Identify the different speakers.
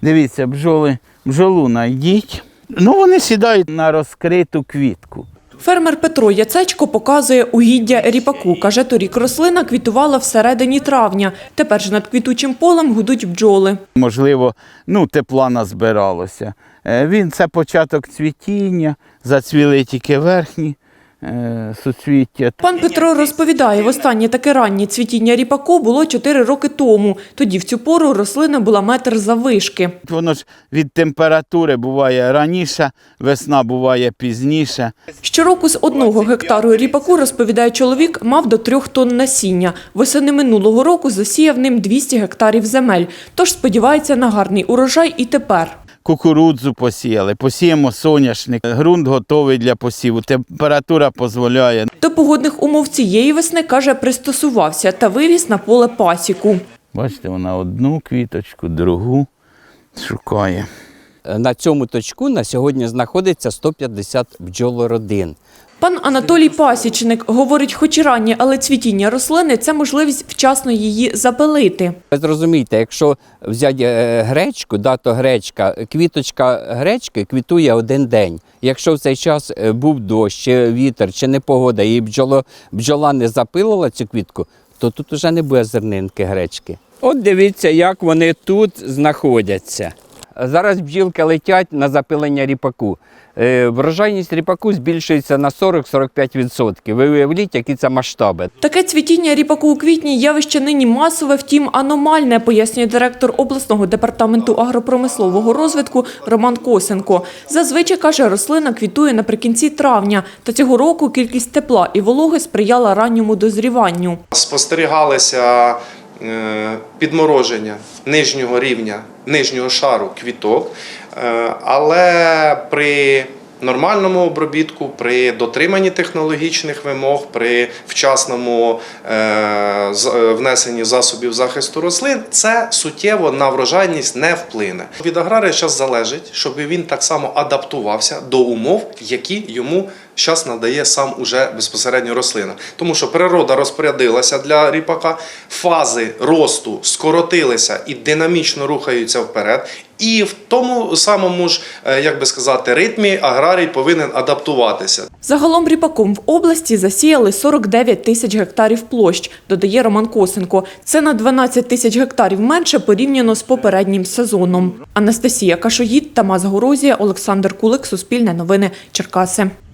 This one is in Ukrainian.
Speaker 1: Дивіться, бджолу знайдіть. Ну, вони сідають на розкриту квітку.
Speaker 2: Фермер Петро Яцечко показує угіддя ріпаку. Каже, торік рослина квітувала всередині травня. Тепер ж над квітучим полем гудуть бджоли.
Speaker 1: Можливо, тепла назбиралося. Це початок цвітіння, зацвіли тільки верхні суцвіття.
Speaker 2: Пан Петро розповідає, востаннє таке раннє цвітіння ріпаку було 4 роки тому. Тоді в цю пору рослина була метр заввишки.
Speaker 1: Воно ж від температури буває раніше, весна буває пізніше.
Speaker 2: Щороку з 1 гектару ріпаку, розповідає чоловік, мав до 3 тонн насіння. Восени минулого року засіяв ним 200 гектарів земель. Тож сподівається на гарний урожай і тепер.
Speaker 1: Кукурудзу посіяли, посіємо соняшник, ґрунт готовий для посіву, температура дозволяє.
Speaker 2: До погодних умов цієї весни, каже, пристосувався та вивіз на поле пасіку.
Speaker 1: Бачите, вона одну квіточку, другу шукає.
Speaker 3: На цьому точку на сьогодні знаходиться 150 бджолородин.
Speaker 2: Пан Анатолій Пасічник говорить, хоч і раннє, але цвітіння рослини – це можливість вчасно її запилити.
Speaker 3: Ви зрозумієте, якщо взяти гречку, то гречка, квіточка гречки квітує один день. Якщо в цей час був дощ, чи вітер, чи непогода, і бджола не запилила цю квітку, то тут вже не буде зернинки гречки. От дивіться, як вони тут знаходяться. Зараз бджілки летять на запилення ріпаку. Врожайність ріпаку збільшується на 40-45%. Ви уявіть, які це масштаби.
Speaker 2: Таке цвітіння ріпаку у квітні – явище нині масове, втім аномальне, пояснює директор обласного департаменту агропромислового розвитку Роман Косенко. Зазвичай, каже, рослина квітує наприкінці травня. Та цього року кількість тепла і вологи сприяла ранньому дозріванню.
Speaker 4: Спостерігалися підмороження нижнього рівня, нижнього шару квіток, але при нормальному обробітку, при дотриманні технологічних вимог, при вчасному внесенні засобів захисту рослин, це суттєво на врожайність не вплине. Від аграрія зараз залежить, щоб він так само адаптувався до умов, які йому зараз надає сам уже безпосередньо рослина. Тому що природа розпорядилася для ріпака, фази росту скоротилися і динамічно рухаються вперед. І в тому самому ж, як би сказати, ритмі аграрій повинен адаптуватися.
Speaker 2: Загалом ріпаком в області засіяли 49 тисяч гектарів площ, додає Роман Косенко. Це на 12 тисяч гектарів менше порівняно з попереднім сезоном. Анастасія Кашоїд, Тамас Горозія, Олександр Кулик, Суспільне новини, Черкаси.